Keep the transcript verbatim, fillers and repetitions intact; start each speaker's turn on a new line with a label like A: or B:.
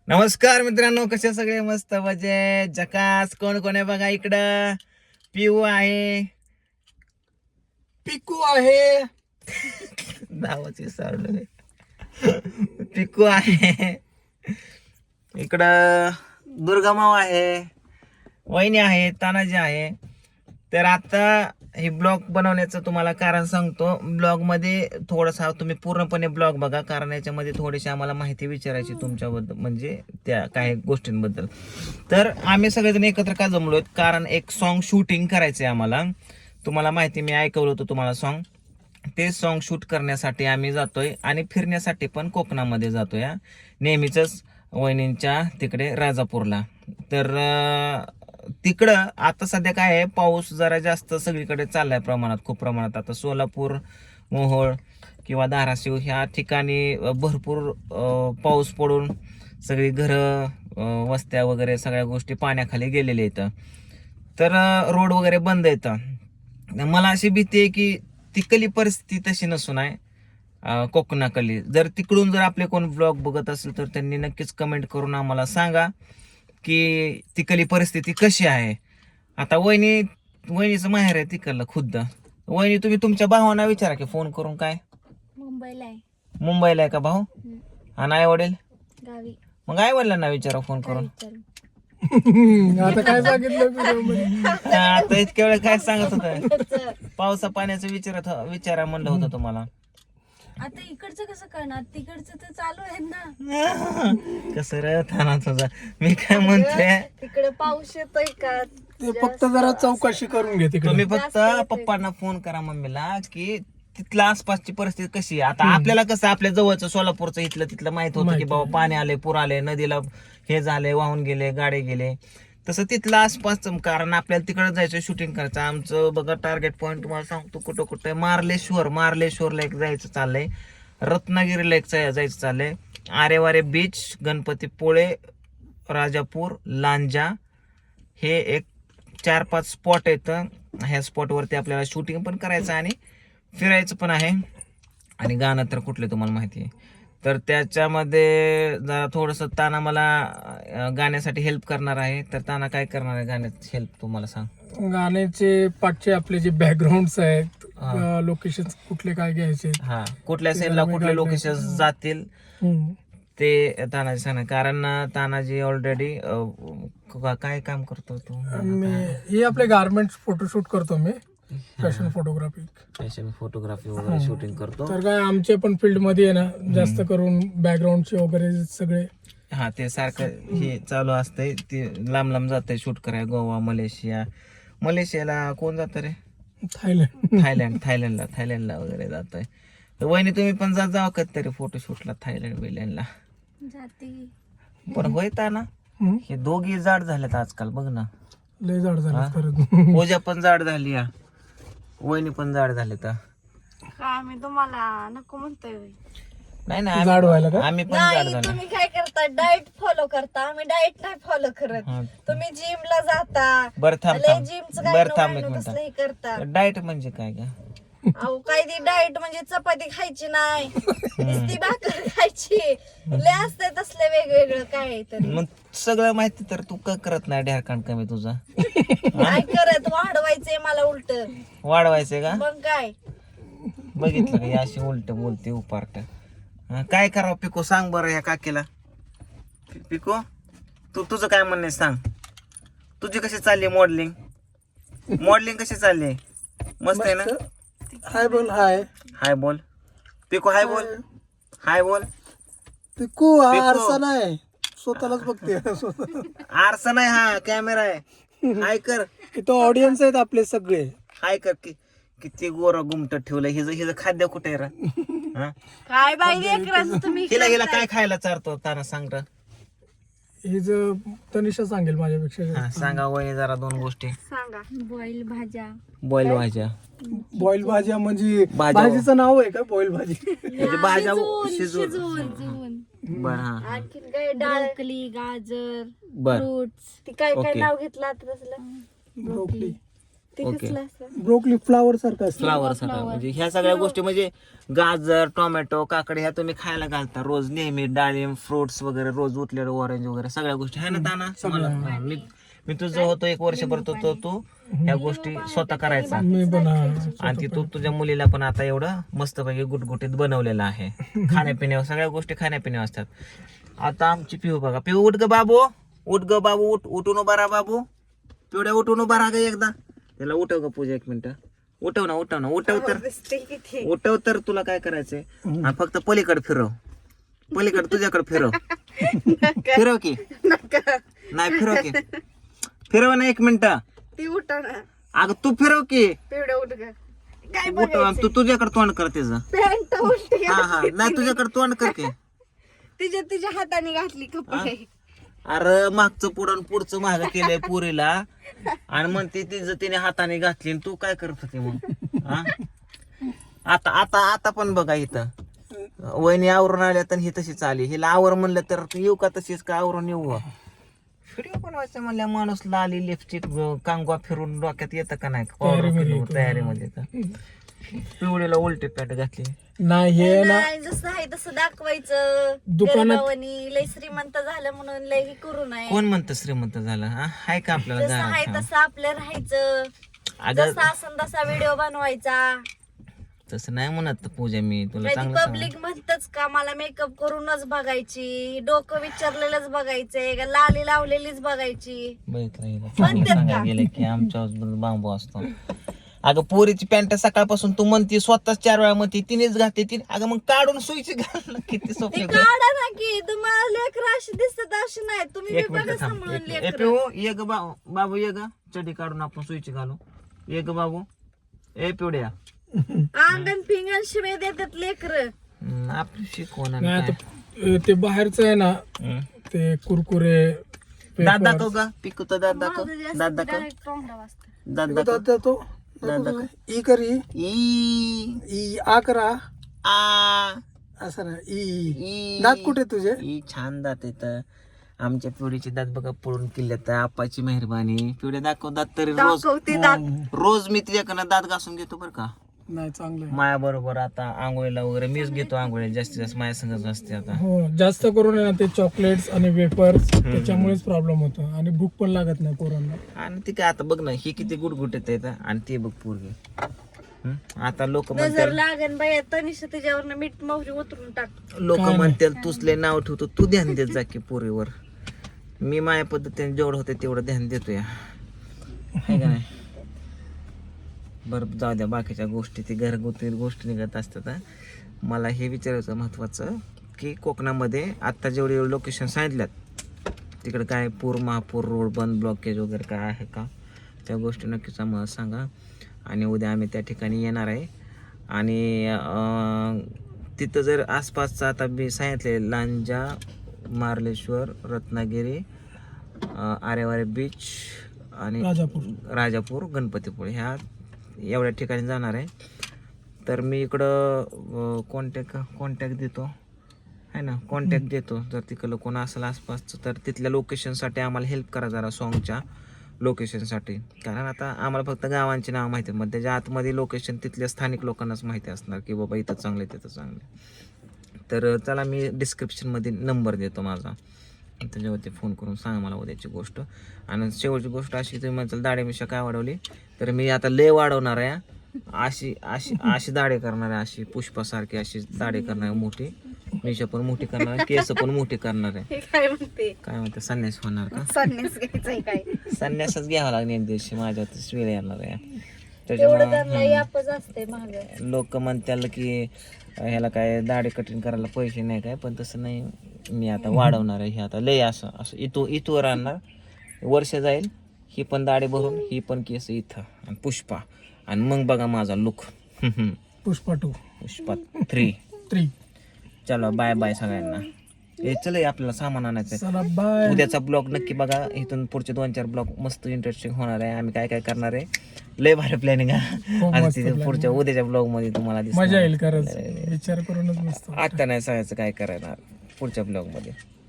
A: नमस्कार मित्रांनो, कसे सगळे मस्त मजे जकास. कोण कोण आहे बघा इकडं. पिऊ आहे, पिकू आहे, नावच विसरलो, पिकू आहे इकडं, दुर्गामाव आहे, वहिनी आहे, तानाजी आहे. तर आता हे ब्लॉग बनवण्याचं तुम्हाला कारण सांगतो. ब्लॉग मध्ये थोडासा तुम्ही पूर्णपणे ब्लॉग बघा, कारण याच्यामध्ये थोडीशी आम्हाला माहिती विचारायची तुमच्याबद्दल, म्हणजे त्या काही गोष्टींबद्दल. तर आम्ही सगळेजण एकत्र का जमलोय, कारण एक सॉन्ग शूटिंग करायचंय आम्हाला. तुम्हाला माहिती, मी ऐकवलं होतं तुम्हाला सॉन्ग. ते सॉन्ग शूट करण्यासाठी आम्ही जातोय आणि फिरण्यासाठी पण कोकणामध्ये जातोय, नेहमीच वहिनींच्या तिकडे राजापूरला. तर तिकडं आता सध्या काय आहे, पाऊस जरा जास्त सगळीकडे चाललाय प्रमाणात, खूप प्रमाणात. आता सोलापूर, मोहोळ किंवा धाराशिव ह्या ठिकाणी भरपूर पाऊस पडून सगळी घरं, वस्त्या वगैरे सगळ्या गोष्टी पाण्याखाली गेलेल्या आहेत. तर रोड वगैरे बंद येतं. मला अशी भीती आहे की तिकली परिस्थिती तशी नसून आहे कोकणाकली. जर तिकडून जर आपले कोण ब्लॉग बघत असेल तर त्यांनी नक्कीच कमेंट करून आम्हाला सांगा की तिकली परिस्थिती कशी आहे. आता वहिनी वहिनीचं माहेर आहे तिकडलं खुद्द. वहिनी, तुम्ही तुमच्या भावांना विचारा की फोन करून. काय
B: मुंबईला आहे?
A: मुंबईला आहे का भाऊ? आणि आई वडील
B: गावी.
A: मग आई वडिलांना विचारा फोन करून.
C: आता काय सांगितलं?
A: आता इतक्या वेळ काय सांगत होत, पावसा पाण्याचं विचारत विचारा म्हणलं होतं तुम्हाला.
B: आता इकडचं कसं करणार, तिकडचं तर चालू आहे ना.
A: कसं रे थाना तुझा. मी काय म्हणते,
B: तिकडे पाऊस येतोय का?
C: ते फक्त जरा चौकशी करून घे तिकडे.
A: तुम्ही फक्त पप्पांना फोन करा मम्मीला की तिथल्या आसपासची परिस्थिती कशी आहे. आता आपल्याला कसं आपल्या जवळचं सोलापूरचं इथलं तिथलं माहित होतं की बाबा पाणी आले, पूर आले, नदीला हे झाले, वाहून गेले, गाडे गेले. तसं तिथलं आसपासचं, कारण आपल्याला तिकडे जायचं, शूटिंग करायचं. आमचं बघा टार्गेट पॉईंट तुम्हाला सांगतो कुठं कुठं. मार्लेश्वर मार्लेश्वरला एक जायचं चाललंय, रत्नागिरीला एक जायचं चाललंय, आरेवारे बीच, गणपतीपुळे, राजापूर, लांजा, हे एक चार पाच स्पॉट आहेत. ह्या स्पॉटवरती आपल्याला शूटिंग पण करायचं आणि फिरायचं पण आहे. आणि गाणं तर कुठले तुम्हाला माहिती आहे. तर त्याच्यामध्ये जरा थोडंसं ताना मला गाण्यासाठी हेल्प करणार आहे. तर ताना काय करणार आहे गाण्यात हेल्प, तुम्हाला सांग.
C: गाण्याचे पाठचे आपले जे बॅकग्राऊंड आहेत, लोकेशन कुठले काय घ्यायचे,
A: हा कुठल्या सीनला कुठले लोकेशन जातील ते तानाजी सांगणार. कारण तानाजी ऑलरेडी काय काम करतो तू?
C: मी हे आपले गार्मेंट्स फोटोशूट करतो मी, फॅशन फोटोग्राफी.
A: फॅशन फोटोग्राफी वगैरे शूटिंग करतो.
C: तर काय आमच्या पण फील्ड मध्ये आहे ना, जास्त करून बॅकग्राऊंडचे वगैरे सगळे.
A: हा ते सारखं हे चालू असतंय, ते लांब लांब जातंय शूट करायला. गोवा, मलेशिया. मलेशियाला कोण जातं रे?
C: थायलंड.
A: थायलंड थायलंडला थायलंडला वगैरे जातोय. तर वहिनी तुम्ही पण जात जावं कधीतरी फोटोशूटला थायलंड बिलंडला.
B: जाते
A: पण होता ना, हे दोघी जाड झालेत आजकाल, बघ ना.
C: लय जाड झालं खरंच.
A: पूजा पण जाड झाली, या वहिनी पण जाड झाले. तर
B: का मी तुम्हाला नको म्हणतोय?
A: नाही नाही,
C: जाड व्हायला का?
A: आम्ही पण जाड
B: नाही,
A: झालो.
B: तुम्ही काय करता, डाएट फॉलो करता. आम्ही डाएट नाही फॉलो करत.
A: हा.
B: तुम्ही जिमला जाता,
A: बरं थांब
B: लय
A: थांब
B: जिमचं
A: बरं
B: काय
A: थांब एक
B: नव्हतं, तसलं हे करता.
A: मिनिट. डाएट म्हणजे काय का?
B: अहो काय ती डाएट म्हणजे चपाती खायची नाही, नुसती भाकर खायची, लय असते तसले वेगवेगळं काय तरी.
A: मग सगळं माहिती तर तू का करत नाही ढेरकांड कमी तुझा?
B: काय करत, वाढवायचंय मला उलट.
A: वाढवायचंय का?
B: मग काय?
A: बघितलं का, अशी उलट बोलते उपार्ट. काय करावं पिको, सांग बरं ह्या काकीला. पिको, तू तुझं काय म्हणणे सांग. तुझी कशी चालली मॉडेलिंग? मॉडेलिंग कशी चालली? मस्त आहे ना?
C: हाय बोल. हाय
A: हाय बोल पिको, हाय बोल, हाय बोल.
C: पिकू हा
A: पिकू.
C: आरसा नाही, स्वतःलाच बघते.
A: आरसा नाही, हा कॅमेरा आहे. हाय कर.
C: इथं ऑडियन्स आहेत आपले सगळे.
A: हाय कर. कि किती गोरा गुमट ठेवलं. हिज हिज खाद्य कुठे आहे रा? हा?
B: काय बाई लेकराचं तुम्ही
A: हिला हिला काय खायला चारतो ताना, सांग र.
C: हे जर तनिषा सांगेल माझ्यापेक्षा
A: हा
C: जास्त.
A: सांगा वहिनी जरा दोन गोष्टी.
B: सांगा. बॉईल भाज्या.
A: बॉईल भाज्या.
C: बॉईल भाज्या म्हणजे
A: भाज्या.
C: भाजीचं नाव आहे का बॉईल भाजी?
A: म्हणजे भाज्या शिजवून.
B: शिजवून.
A: बर हा
B: आणखीन काय, ब्रोकली, गाजर,
A: बर
B: फ्रुट्स. ती काय काय
A: ओके.
B: नाव घेतलं आता तसलं?
C: ब्रोकली.
B: ते
A: ओके.
B: कसलं असं
C: ब्रोकली फ्लावर सारखं असतं.
A: फ्लावर सगळं म्हणजे ह्या सगळ्या गोष्टी म्हणजे गाजर टोमॅटो काकडी ह्या तुम्ही खायला घालता रोज नेहमी डाळिंब फ्रुट्स वगैरे रोज उठलेलं ऑरेंज वगैरे सगळ्या गोष्टी आहे ना ताना मला हा, मी मी तुझं होतो एक वर्षभर तो तो तू ह्या गोष्टी स्वतः करायचा
C: मी पण हा,
A: आणि ती तू तुझ्या मुलीला पण आता एवढं मस्तपैकी गुटगुटीत बनवलेलं आहे खाण्यापिण्यावर सगळ्या गोष्टी खाण्यापिण्यावर असतात. आता आमची पिऊ बघा पिऊ उठ ग बाबू उठ ग बाबू उठ उठून उभा राहा बाबू पिवड्या उठून उभा राहा ग एकदा त्याला उठव ग पूजा एक मिनिट उठव ना उठव ना उठव तर
B: दिसते किती
A: उठव तर तुला काय करायचंय हा, फक्त पलीकडे फिरव पलीकडे तुझ्याकडे फिरव फिरव की
B: नका
A: नाही फिरव की फिरव ना एक मिनिट
B: ती उठा ना
A: अगं तू फिरव की
B: पिवड्या उठ ग काय
A: उठव आणि तू तुझ्याकडे तोंड कर त्याचं
B: पॅन्ट उलटी
A: हा हा नाही तुझ्याकडे तोंड कर की
B: तिच्या तिच्या हाताने घातली कपडे
A: अरे मागचं पुढं पुढचं माग केलंय पुरीला आणि म्हणते तिचं तिने हाताने घातली आणि तू काय करत होती मग हा? आता आता आता पण बघा इथं वहिनी आवरून आल्या तर ही तशीच आली हिला आवर म्हणलं तर तू येऊ का तशीच का आवरून येऊ व्हिडिओ बनवायचं म्हणल्या माणूस लाली लिपस्टिक कांगवा फिरून डोक्यात येतं का नाही
C: तयारीमध्ये
A: तयारीमध्ये तर पिवळीला उलटी पॅट घातली
C: नाही हे ना
B: नाही जसं आहे तसं दाखवायचं
C: दुकानात-
B: गरिबावानी लय श्रीमंत झालं म्हणून लय हे करू नये
A: कोण म्हणतं श्रीमंत झालं हा हाय का आपल्याला
B: जसं आहे
A: घरात
B: तसं आपलं राहायचं
A: अगं
B: जसा असन तसा व्हिडिओ बनवायचा
A: तसं नाही म्हणत पूजा मी तुला
B: कधी
A: चांगलं सांग
B: पब्लिक म्हणतच का मला मेकअप करूनच बघायची डोकं विचारलेलंच बघायचंय का लाली लावलेलीच बघायची
A: बघितलं हिला.
B: म्हणतात
A: चांगलं
B: का?
A: सांगायला गेलं की आमच्या हॉस्पिटल बांबू असतो अगं पोरीची पॅन्ट सकाळपासून तू म्हणती स्वतःच चार वेळा म्हणते तिनेच घातली तिने अगं मग काढून सुईची घाल ना, किती
B: ती
A: सोपे
B: काढा ना की तुम्हाला लेकर अशी दिसतात अशी नाही तुम्ही
A: एक
B: बी बघा
A: मिनिट थांब
B: सांभाळून
A: एक- ए
B: लेकर
A: पिऊ ये ग बा- बाबू ये ग चडी काढून आपण सुईची घालू ये ग बाबू ए पिवड्या
B: अंगण पिंगण शिवे देतात लेकर
A: हम्म, आपली शिकवण आणि
C: नाही
A: काय.
C: आता ते बाहेरचं आहे ना
A: हम्म.
C: ते कुरकुरे
A: दात
C: papers.
A: दाखव का पिकू तर दात दाखव दात दाखव दात दाखव
C: दादा तो
A: दात दाखव
C: ई करी
A: ई
C: ई आ करा
A: आ
C: असं ना ई
A: ई
C: दात कुठे तुझे
A: ई छान दात येत आमच्या पिवडीचे दात बघा पळून किल्ल्यात आपाची मेहरबानी पिवड्या दाखव दात तरी रोज
B: दाखवते दात
A: रोज मी तुझ्याकडनं दात घासून घेतो बरं का
C: नाही चांगलं आहे.
A: माया बरोबर आता आंघोळीला वगैरे मीच घेतो आंघोळीला जास्तीत जास्त माया संगच असते आता
C: हो जास्त करून आहे ना ते चॉकलेट्स आणि वेपर्स त्याच्यामुळेच प्रॉब्लेम होतो आणि भूक पण लागत नाही पोरांना.
A: आणि ती काय आता बघ ना ही किती गुटगुटीत येत आणि ते बघ पोरगी हं? आता लोक
B: नजर
A: म्हणतात
B: लागन बाया तनिष्ठ त्याच्यावर मीठ मोहरी उतरून टाक
A: लोक म्हणतात तुसले नाव ठेवतो तू ध्यान देत जा की पोरीवर मी माझ्या पद्धतीने जेवढं होते तेवढं ध्यान देतो या है का नाही बरं जाऊ द्या बाकीच्या गोष्टी ती घरगुती गोष्टी निघत असतात हं. मला हे विचारायचं महत्वाचं की कोकणामध्ये आत्ता जेवढे लोकेशन सांगितल्यात तिकडे काय पूर महापूर रोड बंद ब्लॉकेज वगैरे काय आहे का त्या गोष्टी नक्कीच आम्हाला सांगा आणि उद्या आम्ही त्या ठिकाणी येणार आहे आणि अं, तिथं जर आसपासचं आता मी सांगितले लांजा मार्लेश्वर रत्नागिरी अं, आरेवारे बीच आणि
C: राजापूर
A: राजापूर गणपतीपुळे ह्या एवढ्या ठिकाणी जाणार आहे तर मी इकडं कॉन्टॅक्ट कॉन्टॅक्ट देतो आहे ना कॉन्टॅक्ट देतो जर तिकडलं कोण असेल आसपासचं तर तिथल्या लोकेशनसाठी आम्हाला हेल्प करा जरा सॉन्गच्या लोकेशनसाठी कारण आता आम्हाला फक्त गावांची नाव माहिती आहे मग त्याच्या आतमध्ये लोकेशन तिथल्या स्थानिक लोकांनाच माहिती असणार की बाबा इथं चांगलं आहे तिथं चांगलं आहे. तर चला मी डिस्क्रिप्शनमध्ये नंबर देतो माझा त्याच्यावरती फोन करून सांगा मला उद्याची गोष्ट आणि शेवटची गोष्ट अशी तुम्ही म्हणताल दाढी मिशा काय वाढवली तर मी आता लय वाढवणार आहे अशी अशी अशी दाढी करणार आहे अशी पुष्पासारखी अशी दाढी करणार आहे मोठी मिशा पण मोठी करणार आहे केस पण मोठी करणार आहे
B: हे काय म्हणते
A: काय म्हणते संन्यास होणार का
B: संन्यास घ्यायचंय काय
A: संन्यासच घ्यावा लागणार एक दिवशी माझ्या वेळ येणार आहे
B: तेवढं त्यांना
A: त्याच्यामुळे
B: यापच असते महाग
A: लोक म्हणतात की ह्याला काय दाढी कटिंग करायला पैसे नाही काय पण तसं नाही मी आता वाढवणार आहे हे आता लय असं असं इथू इथवर आणणार वर्ष जाईल ही पण दाढी भरून ही पण केस इथं आणि पुष्पा आणि मग बघा माझा look
C: Pushpa two
A: Pushpa three
C: three
A: चलो बाय बाय सगळ्यांना हे चल आपल्याला सामान आणायचं
C: चला बाय
A: उद्याचा ब्लॉग नक्की बघा इथून पुढचे दोन चार ब्लॉग मस्त इंटरेस्टिंग होणार आहे आम्ही काय काय करणार आहे लय भारी प्लॅनिंग आहे आणि
C: मस्त
A: तिथे
C: planning.
A: पुढच्या उद्याच्या ब्लॉग मध्ये तुम्हाला दिसणार.
C: मजा येईल खरंच विचार करूनच मस्त
A: आता नाही सांगायचं काय करायला पुढच्या ब्लॉग मध्ये